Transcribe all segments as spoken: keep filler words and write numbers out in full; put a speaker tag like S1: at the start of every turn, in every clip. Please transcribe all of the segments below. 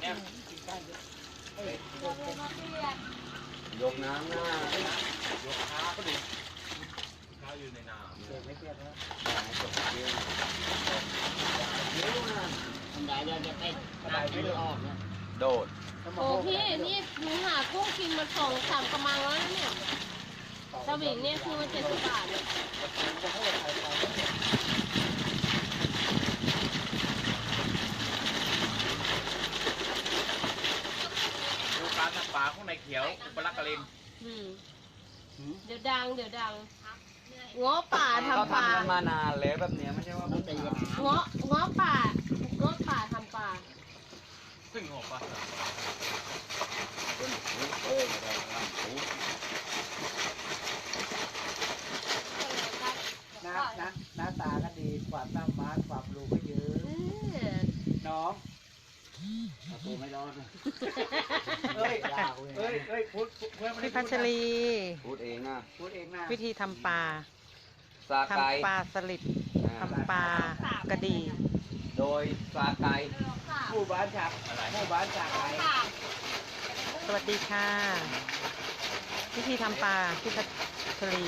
S1: เนี่ยยกน้ำหน้ายกขาก็ดีข้าวอยู่ในน้ำเปียกไม่เปียกนะจบเปียกเดี๋ยวนะทำได้เดี๋ยวจะเป็นน้ำไม่ออกนะโดด
S2: โอ้พี่นี่หนูหากุ้งกินมาสองสามกระมังแล้วเนี่ยสวิงเนี่ยคือมันเจ็ดสิบบาทเนี่ย
S1: ดูการทำปลาข้างในเขียวอุปลักษณ์กระลิน
S2: เดี๋ยวดังเดี๋ยวดังง้อป่าทำปลา
S1: ทำกันมานานแล้วแบบนี้ไม่ใช่ว่าตีกัน
S2: ง้อง้อป่าง้อป่าทำปลา
S1: ซึ่งหัวปลา
S3: หน้าหน้าหน้าตาก็ดีความสามารถความรู้ก็เยอะน้องตัวไม่รอดเลยเอ้ยเอ้ยเอ้ยพูด
S4: พี่พัชรี
S1: พูดเองนะ
S3: พูดเองนะ
S4: วิธีทำปลา
S1: ท
S4: ำปลาสลิดทำปลากระดี
S1: โดยสาไก่
S3: หมู่บ้านฉากหมู่บ้านฉากไก่
S4: สวัสดีค่ะวิธีทำปลาพี่พัชรี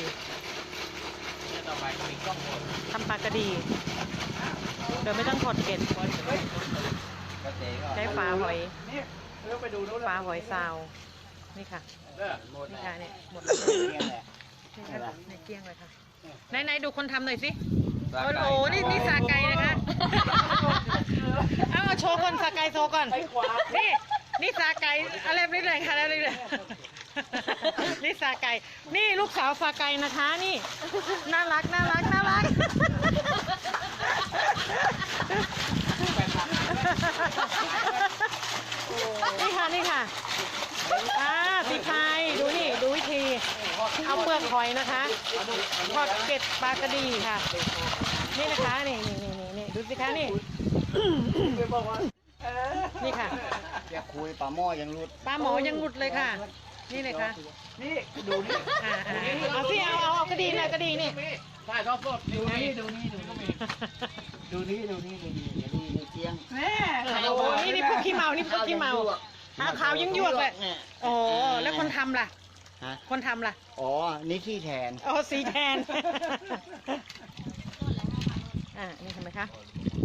S4: ทำปลากระดีโดยไม่ต้องถอดเกล็ดใช้ฝาหอยฝาหอยซาวนี่ค่ะนี่ค่ะเนี่ยหมดเลยในเกลี้ยงเลยค่ะไหนๆดูคนทำหน่อยสิโอ้โหนี่นี่สาไก่นะคะเอาโชว์ก่อนสาไก่โชว์ก่อนนี่นี่สาไก่อะไรนี่เลยค่ะอะไรเลยนี่สาไก่นี่ลูกสาวสาไก่นะคะนี่น่ารักน่ารักน่ารักนี่ค่ะนี่ค่ะอ่าพี่พายดูนี่ดูวิธีเอาเปลือกหอยนะคะทอดเกล็ดปลากระดีค่ะนี่นะคะนี่นี่นี่นี่ดูสิคะนี่นี่ค่ะ
S3: อย่าคุยปลาหม้อยังรุด
S4: ปลาหมอยังหลุดเลยค่ะนี่เลยค่ะ
S3: นี่ดูนี่
S4: อ่าเอาสิเอาเอากระดีนะกระดีนี่
S3: ใช่ทอดสดดูนี่ดูนี่ดูนี่ดูนี่ดูนี่ดูนี่ดูนี่เจียงแม่
S4: โอ้นี่นี่พวกขี้เมานี่พวกขี้เมาขาวยังยวกเลยโอ้แล้วคนทำล่ะคนทำล่ะ
S3: อ๋อนี่ขี้แทน
S4: อ๋อสีแทนอ่านี่ทำไหมคะ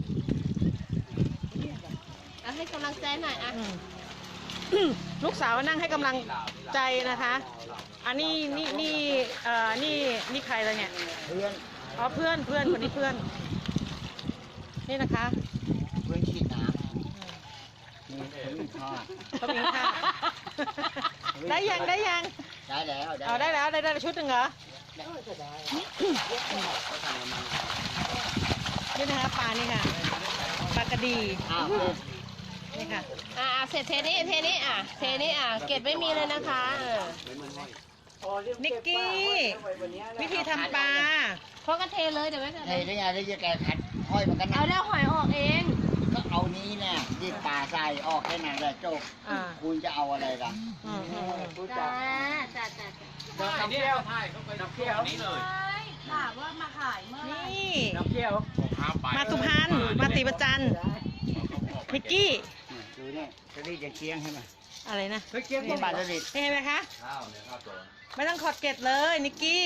S2: เอาให้กำลังใจหน่อยอ่ะ
S4: ลูกสาวนั่งให้กำลังใจนะคะอันนี้นี่นี่เอ่อนี่นี่ใครเลยเนี่ย
S3: เพื่อน
S4: อ๋อเพื่อนเพื่อนคนนี้เพื่อนนี่นะคะ
S3: เพื่อนฉีดน้ำนี่เขามีข้าว
S4: เขามีข้าวได้ยังได้ยัง
S3: ได้แล้ว
S4: เอาได้แล้วได้ได้ชุดหนึ่งเหรอนี่นะคะปลานี่ค่ะปลากระดีนี่ค่ะ
S2: อ่าเสร็จเทนี้เทนี้อ่ะเทนี้อ่ะเก็บไม่มีเลยนะคะ
S4: นิกกี้วิธีทำปลา
S2: เพราะก็เทเลยเดี๋ยวไว้ก่อน
S3: เทได้ไงได้จะแกขัดห้อยมันกัน
S2: เอาแล้วหอยออกเอง
S3: ก็เอานี้เนี่ยดิบปลาใส่ออกแค่นั้นแหละจบคุณจะเอาอะไรล่ะ
S2: จ้าจ้าจ้า
S3: จ้าน้ำเที่ยวใช่เขาไปน้ำเที่ยว
S2: นี่เลยถามว่ามาขายเมื่อ
S4: นี่
S3: น้ำเที่ยว
S4: มาสุพรรณมาศรีประจันนิกกี้
S3: ดูเนี่ยจะรีดยังเคียงใช่ไหม
S4: อะไรนะ
S3: เคียงเป็นบาทจะรีด
S4: เห็นไหมคะไม่ต้องขอดเกล็ดเลยนิกกี้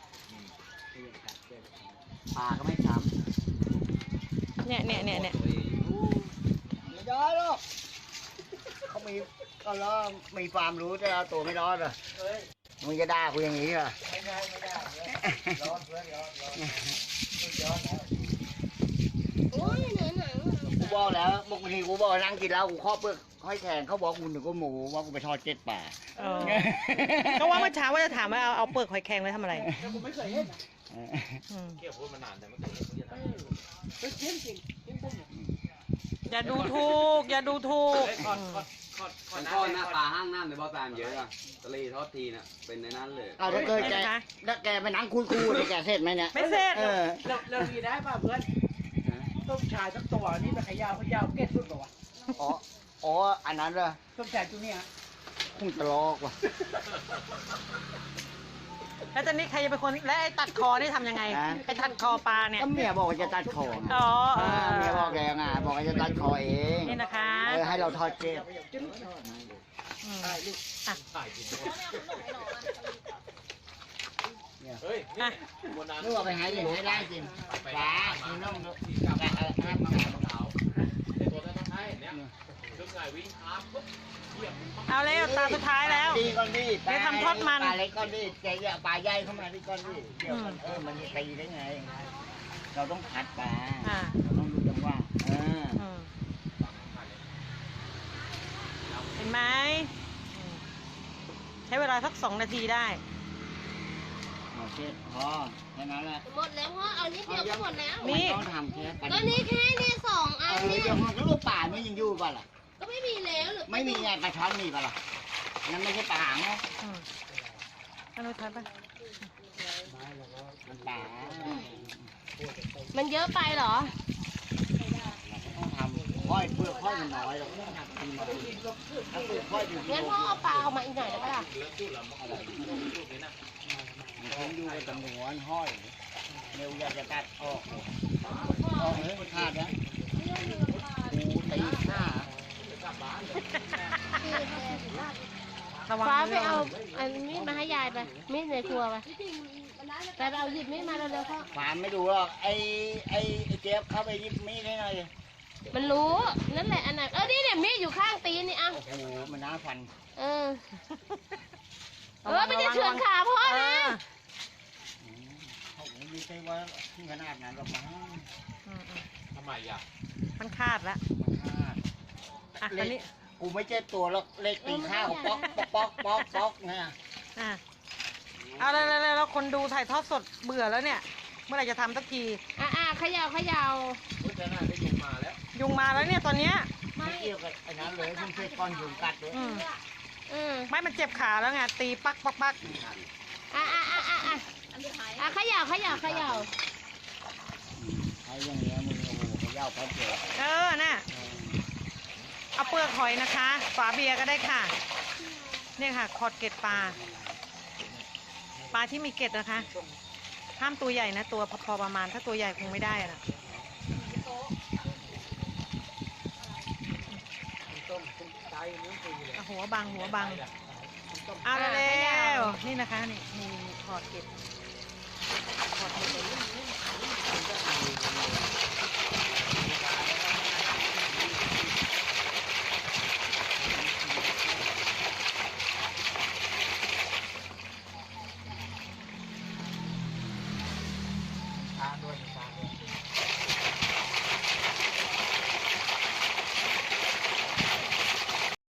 S3: ปลาก็ไม่ช้ำ
S4: เนี่ยเนี่ยเนี่ยเนี่ย
S3: ไม่ได้หรอกเขามีก็ล้อมีความรู้แต่เราตัวไม่รอดเหรอมึงจะด่ากูอย่างนี้เหรอไม่ได้ไม่ได้ร้อนเพื่อนร้อนร้อนร้อน
S2: โอ้ยเหนื่อยหนัง
S3: กูบอกแล้วบางทีกูบอกนั่งกินแล้วกูข้อเปลือกห้อยแทงเขาบอกกูหนึ่งก็หมูว่ากูไปทอดเจ็ดป่า
S4: ก็ว่าเมื่อเช้าว่าจะถามว่าเอาเอาเปลือกหอยแครงไว้ทำอะไร
S3: กูไม่เคยเห็น
S1: เกี่ยวพูดมานานแต่ไม่เคยเห็นเขาจะทำ
S3: จริงจริงจริงจริง
S4: อย่าดูถูกอย่าดูถูก
S1: มันก็หน้าตาห้างน้ำในบ่อตามเยอะอะทะเลทอดทีน่ะเป็นในนั้นเลย
S3: เอาถ้าเกิดแกถ้าแกไปนั่งคุยคู่แกเสร็จไหมเนี่ย
S4: ไม่เสร็จ
S3: เราเราดีได้ป่ะเพื่อนต้มชายสักตัวนี่เป็นขยาวขยาวเก็ตสุดป่ะวะอ๋ออ๋ออันนั้นเหรอต้มชายตัวนี้ฮะคงจะลอกว่ะ
S4: แล้วตอนนี้ใครจะเป็นคนและไอ้ตัดคอนี่ทำยังไงไอ้ตัดคอปลาเนี่ย
S3: ก็เมียบอกว่าจะตัดคอ
S4: อ๋อ
S3: เมียบอกแกไงบอกว่าจะตัดคอเอง
S4: นี่นะคะ
S3: เออให้เราทอดเกล็ด
S4: อืมอ่ะ
S1: เฮ้ย
S4: อ่ะ
S1: บนนั้น
S3: นึกว่าไปหาอย่างให้ได้จริงปลาคือน้อง
S1: ที่กลับมาห้ามมาขาวในตัวนั้นต้องให้เนี่ยคือไงวิ่งครับปุ๊บเหยียบ
S4: เอาแล้วตาสุดท้ายแล้ว
S3: ดีก่อนดี
S4: เดี๋ยวทำทอดมัน
S3: ปลาเล็กก่อนดีแกอย่าปลาใหญ่เข้ามาดีก่อนดีเดี๋ยวมันเออมันจะตีได้ไง เราต้องผัดปลา
S4: อ่า
S3: เราต้องดูจังหวะเออ
S4: อืมเห็นไหมอืมใช้เวลาสักสองนาทีได้
S3: โอเคพอแค่นั้นแหละ
S2: หมดแล้วพ่อเอานิดเดียวก็หมดแล้ว
S4: นี่
S3: มันต้องทำแค่ปลา
S2: ก็นี่แค่นี่สองอั
S3: เอน อ
S2: เนี่ย
S3: เดี๋ยวมันก็ลูกป่ามันยังอยู่ป่ะล่ะ
S2: ก็ไม่มีแล้วหรือ
S3: ไม่มีไงปลาช้อนมีป่ะล่ะนั่นไม่ใช่ปลาหางเนาะ
S4: อืมอันนู้นทัดปะ
S3: มันปลา
S2: มันเยอะไปเหรอ
S3: ต้องทำค่อยเปลือกค่อยมันน้อยเราต้องทำทีมาดีถ้าเปลือกค่อยอยู่ที่
S2: งั้นพ่อเอาปลาเอามาอีกหน่อยได้ปะล่ะ
S3: มันคงอยู่ในจำนวนห้อยเร็วอยากจะตัดออกออกเลยมันขาดนะกูตีห้า
S4: ระวัง
S2: ฟ้า
S4: มื
S2: ไป
S4: อ
S2: เอาอันมีดมาให้ยายไป มีดในครัวไปไปไปเอาหยิบมีดมาเร็วๆพ่อ
S3: ฝานไม่ดูหรอกไอ้ไอ้ไอ้เจี๊ยบเข้าไปหยิบมีดให้หน่อย
S2: มันรู้ นั่นแหละอันไหนเออนี่เนี่ยมีดอยู่ข้างตีนนี่อ่ะ
S3: โอ้โหมันน่าฟัน
S2: เออ เออไม่ได้เฉือนขาพ่อ
S4: เอ
S2: นะ
S4: อ
S3: เขาไม่ใช่ว่าที่ขนาดนั้นหรอกมั้ง
S4: อืมอืม
S1: ทำไมอ่ะ
S4: มันคาดแล้ว
S3: มันขาด
S4: อ่ะตอนนี้
S3: กูไม่ใช่ตัวหรอกเล็กตีข้าวป๊อกป๊อกป๊อกป๊อกป๊อกเนี่ย
S4: อ่ะเอาเลยเลยแล้วคนดูถ่ายทอดสดเบื่อแล้วเนี่ย เมื่อไหร่จะทำสักที
S2: อ่ะอ่ะเขย่าเขย่า
S1: พุทธนาได้ยุงมาแล้ว
S4: ยุงมาแล้วเนี่ยตอนเนี้ย
S3: ไม่เกี่ยวกับไอ้นั้นเลยเพิ่งเคยก้อนยุงกัดเลย
S4: อืม
S2: อืม
S4: ไม่มันเจ็บขาแล้วไงตีปักปักปัก
S2: อ่ะอ่ะอ่ะอ่ะอ่ะอ่ะเขย่าเขย่าเขย่า
S3: ไอ้อย่างเงี้ยมึงโอ้โหเขาเย้าแป๊บเดียว
S4: เออน่ะเอาเปลือกหอยนะคะ ฝาเบียร์ก็ได้ค่ะ เนี่ยค่ะคอดเกล็ดปลา ปลาที่มีเกล็ดนะคะ ห้ามตัวใหญ่นะ ตัวพอประมาณ ถ้าตัวใหญ่คงไม่ได้อะนะเอาหัวบังหัวบัง เอาเร็วๆนี่นะคะนี่มีคอดเกล็ดคอดเกล็ด